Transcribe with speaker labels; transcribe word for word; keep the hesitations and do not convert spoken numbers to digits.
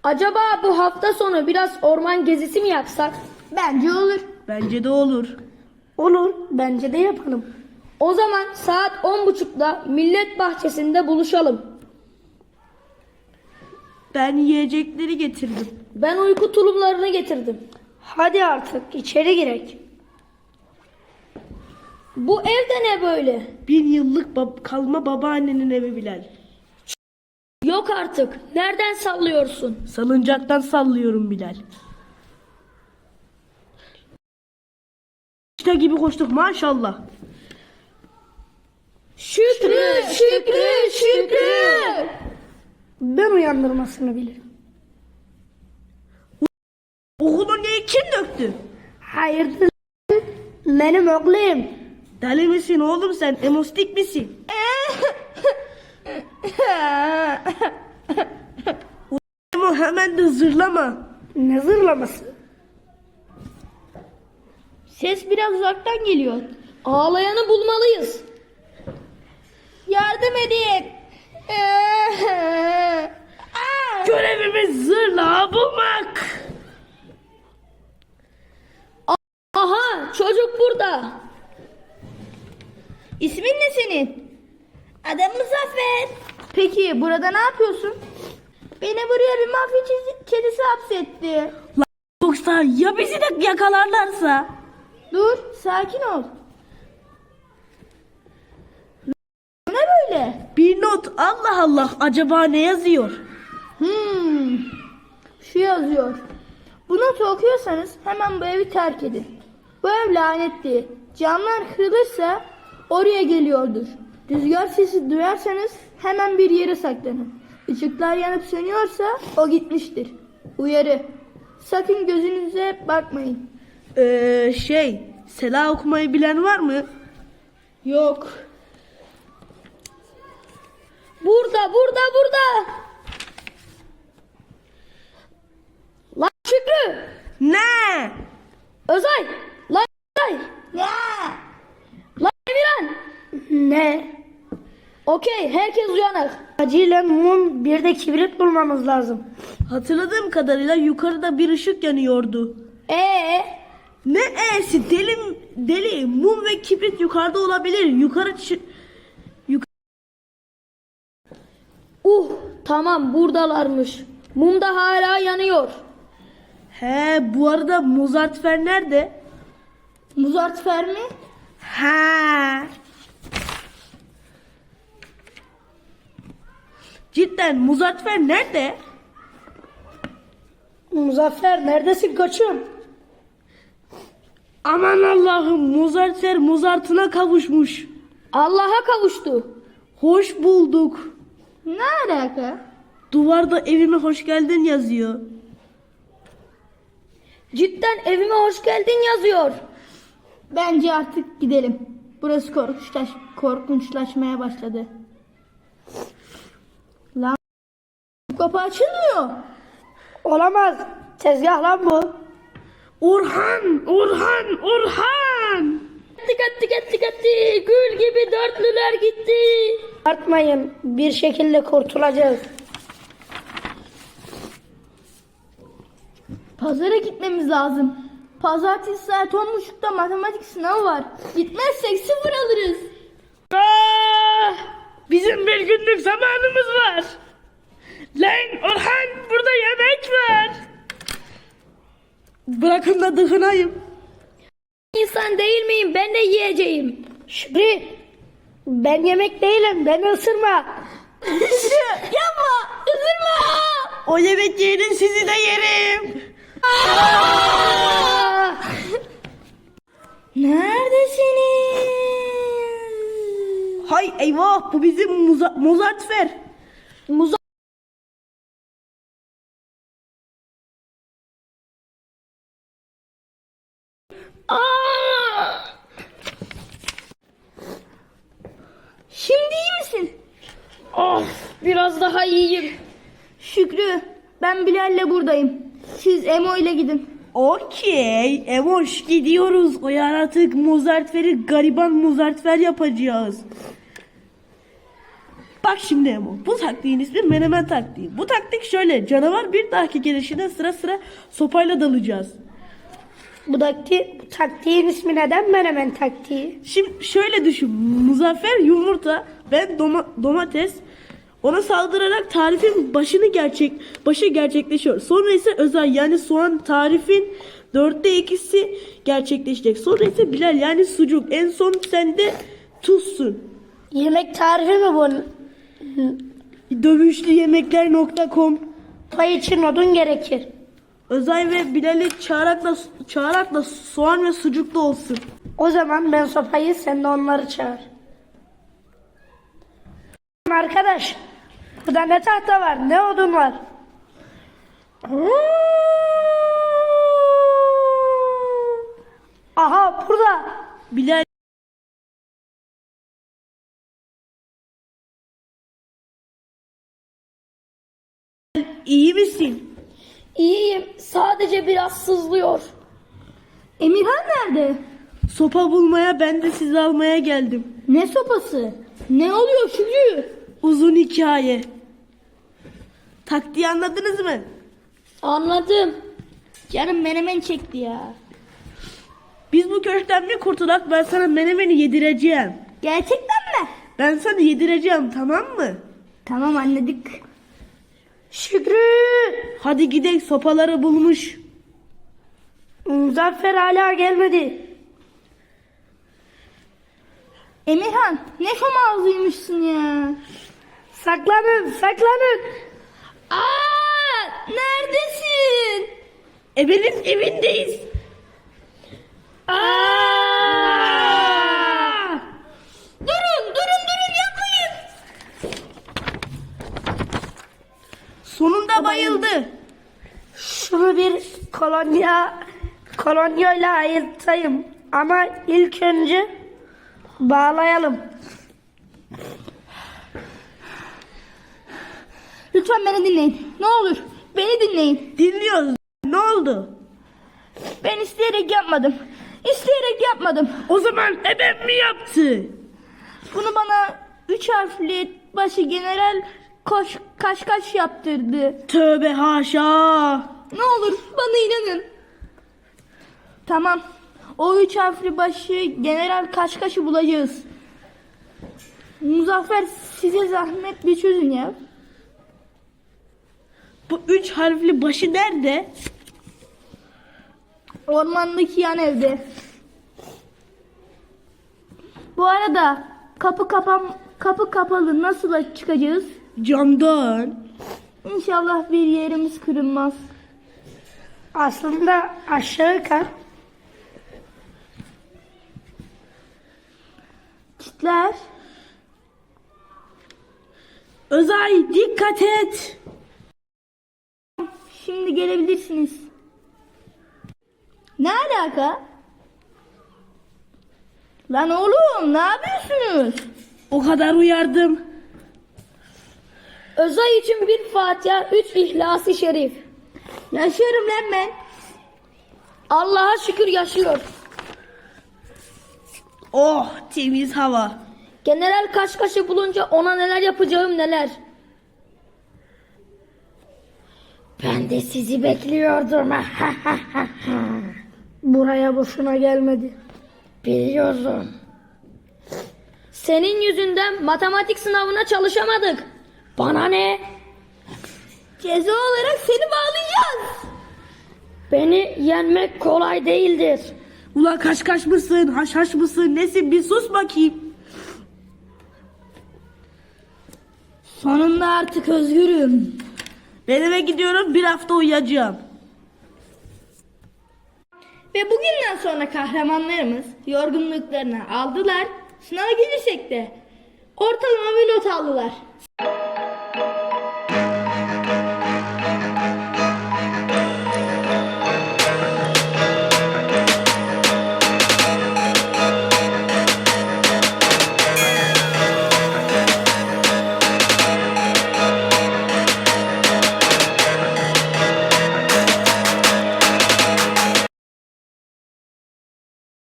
Speaker 1: Acaba bu hafta sonu biraz orman gezisi mi yapsak?
Speaker 2: Bence olur.
Speaker 3: Bence de olur.
Speaker 1: Olur, bence de yapalım. O zaman saat on buçukta Millet Bahçesi'nde buluşalım.
Speaker 3: Ben yiyecekleri getirdim.
Speaker 1: Ben uyku tulumlarını getirdim. Hadi artık içeri girek. Bu evde ne böyle?
Speaker 3: Bin yıllık bab- kalma babaannenin evi Bilal.
Speaker 1: Yok artık. Nereden sallıyorsun?
Speaker 3: Salıncaktan sallıyorum Bilal. İşte gibi koştuk maşallah.
Speaker 1: Şükrü, Şükrü, Şükrü. Ben uyandırmasını bilirim.
Speaker 3: Okulu niye kim döktü?
Speaker 1: Hayırdır? Benim oğlum.
Speaker 3: Deli misin oğlum sen? Emostik misin? Emo hemen de zırlama.
Speaker 1: Ne zırlaması?
Speaker 2: Ses biraz uzaktan geliyor.
Speaker 1: Ağlayanı bulmalıyız.
Speaker 2: Yardım edin.
Speaker 3: Görevimiz zırla bulmak.
Speaker 1: Aha, çocuk burada.
Speaker 2: İsmin ne senin? Adım Muzaffer. Peki burada ne yapıyorsun? Beni buraya bir mafya çiz- kedisi hapsetti.
Speaker 3: Yoksa ya bizi de yakalarlarsa?
Speaker 2: Dur, sakin ol. Ne böyle?
Speaker 3: Bir not. Allah Allah, acaba ne yazıyor?
Speaker 2: Hmm. Şu yazıyor. Bu notu okuyorsanız hemen bu evi terk edin. Bu ev lanetli. Camlar kırılırsa oraya geliyordur. Rüzgar sesi duyarsanız hemen bir yere saklanın. Işıklar yanıp sönüyorsa o gitmiştir. Uyarı. Sakın gözünüze bakmayın.
Speaker 3: Ee, şey, Sela okumayı bilen var mı?
Speaker 2: Yok.
Speaker 1: Burada, burada, burada. Lan Şükrü.
Speaker 3: Ne?
Speaker 1: Özay. Lan Özay.
Speaker 2: Ya!
Speaker 1: Lan Emirhan. Ne? Okey, herkes uyanık. Acilen mum, bir de kibrit bulmamız lazım.
Speaker 3: Hatırladığım kadarıyla yukarıda bir ışık yanıyordu.
Speaker 1: Ee,
Speaker 3: Ne e'si? Deli, deli, mum ve kibrit yukarıda olabilir. Yukarı çık...
Speaker 1: uh, tamam buradalarmış. Mum da hala yanıyor.
Speaker 3: He, bu arada Muzartfer nerede?
Speaker 2: Muzartfer mi?
Speaker 3: Ha. Cidden Muzartfer nerede?
Speaker 1: Muzaffer neredesin koçum?
Speaker 3: Aman Allah'ım, Muzartfer Muzart'ına kavuşmuş.
Speaker 1: Allah'a kavuştu.
Speaker 3: Hoş bulduk.
Speaker 2: Ne alaka?
Speaker 3: Duvarda evime hoş geldin yazıyor.
Speaker 1: Cidden evime hoş geldin yazıyor.
Speaker 2: Bence artık gidelim. Burası korkunçlaş korkunçlaşmaya başladı. Lan bu kapı açılmıyor.
Speaker 1: Olamaz. Tezgah lan bu.
Speaker 3: Orhan, Orhan, Orhan.
Speaker 1: Gitti gitti gitti gitti. Gül gibi dörtlüler gitti. Artmayın. Bir şekilde kurtulacağız.
Speaker 2: Pazara gitmemiz lazım. Pazartesi saat on buçukta matematik sınavı var. Gitmezsek sıfır alırız.
Speaker 3: Ah, bizim bir günlük zamanımız var. Lan Orhan, burada yemek var. Bırakın da dıkınayım.
Speaker 1: İnsan değil miyim? Ben de yiyeceğim. Şükrü. Ben yemek değilim. Beni ısırma.
Speaker 2: Yapma! Üzülme!
Speaker 3: O yemek yerin, sizi de yerim.
Speaker 1: Aa!
Speaker 2: Neredesiniz?
Speaker 3: Hay eyvah, bu bizim Muza Muzartfer.
Speaker 1: Muza Aa!
Speaker 2: Şimdi iyi misin?
Speaker 1: Of, biraz daha iyiyim.
Speaker 2: Şükrü, ben Bilal'le buradayım. Siz Emo ile gidin.
Speaker 3: Okey, Emoş gidiyoruz. O yaratık Muzartfer'i gariban Muzartfer yapacağız. Bak şimdi Emo, bu taktiğin ismi menemen taktiği. Bu taktik şöyle, canavar bir dahaki gelişine sıra sıra sopayla dalacağız.
Speaker 1: Bu, takti, bu taktiğin ismi neden menemen taktiği?
Speaker 3: Şimdi şöyle düşün, Muzaffer yumurta, ben doma- domates, ona saldırarak tarifin başını gerçek başı gerçekleşiyor. Sonra ise Özay yani soğan tarifin dörtte ikisi gerçekleşecek. Sonra ise Bilal yani sucuk, en son sen de tuzsun.
Speaker 1: Yemek tarifi mi bu?
Speaker 3: dövüşlü yemekler nokta com.
Speaker 1: Pay için odun gerekir.
Speaker 3: Özay ve Bilal'i çağırakla, çağırakla soğan ve sucuklu olsun.
Speaker 1: O zaman ben sopayı, sen de onları çağır. Arkadaş, burada ne tahta var, ne odun var? Aha, burada.
Speaker 3: Bilal iyi misin?
Speaker 1: İyiyim, sadece biraz sızlıyor.
Speaker 2: Emirhan nerede?
Speaker 3: Sopa bulmaya, ben de sizi almaya geldim.
Speaker 2: Ne sopası? Ne oluyor Şükrü?
Speaker 3: Uzun hikaye. Taktiği anladınız mı?
Speaker 1: Anladım.
Speaker 2: Canım menemen çekti ya.
Speaker 3: Biz bu köşkten bir kurtulak, ben sana menemeni yedireceğim.
Speaker 2: Gerçekten mi?
Speaker 3: Ben sana yedireceğim, tamam mı?
Speaker 2: Tamam, anladık.
Speaker 1: Şükrü!
Speaker 3: Hadi gidelim, sopaları bulmuş.
Speaker 1: Muzaffer hala gelmedi.
Speaker 2: Emirhan ne şomazlıymışsın ya.
Speaker 1: Saklanın, saklanın.
Speaker 2: Aa, neredesin?
Speaker 3: Ebe'nin evindeyiz.
Speaker 1: Aa!
Speaker 2: Durun, durun, durun, yapmayın.
Speaker 3: Sonunda bayıldı.
Speaker 1: Şunu bir kolonya kolonyayla ayırtayım. Ama ilk önce bağlayalım.
Speaker 2: Lütfen beni dinleyin. Ne olur beni dinleyin.
Speaker 3: Dinliyoruz. Ne oldu?
Speaker 2: Ben isteyerek yapmadım. İsteyerek yapmadım.
Speaker 3: O zaman Eben mi yaptı?
Speaker 2: Bunu bana üç harfli başı general koş kaş kaş yaptırdı.
Speaker 3: Tövbe haşa.
Speaker 2: Ne olur bana inanın. Tamam. O üç harfli başı general kaş kaşı bulacağız. Muzaffer, size zahmet bir çözün ya.
Speaker 3: Bu üç harfli başı nerede?
Speaker 2: Ormandaki yan evde. Bu arada kapı kapan kapı kapalı, nasıl çıkacağız?
Speaker 3: Camdan.
Speaker 2: İnşallah bir yerimiz kırılmaz.
Speaker 1: Aslında aşağı kar.
Speaker 2: Çitler.
Speaker 3: Özay dikkat et.
Speaker 2: Şimdi gelebilirsiniz. Ne alaka? Lan oğlum, ne yapıyorsunuz?
Speaker 3: O kadar uyardım.
Speaker 1: Özay için bir Fatiha, üç İhlas-ı Şerif.
Speaker 2: Yaşıyorum lan ben.
Speaker 1: Allah'a şükür yaşıyor.
Speaker 3: Oh, temiz hava.
Speaker 1: General Kaşkaş'ı bulunca ona neler yapacağım neler. Ben de sizi bekliyordum. Buraya boşuna gelmedi. Biliyorum. Senin yüzünden matematik sınavına çalışamadık. Bana ne?
Speaker 2: Ceza olarak seni bağlayacağız.
Speaker 1: Beni yenmek kolay değildir.
Speaker 3: Ulan kaş kaş mısın, haş haş mısın, nesin, bir sus bakayım.
Speaker 2: Sonunda artık özgürüm.
Speaker 3: Ben eve gidiyorum, bir hafta uyuyacağım.
Speaker 2: Ve bugünden sonra kahramanlarımız yorgunluklarını aldılar. Sınava girecek de ortalama bir not aldılar.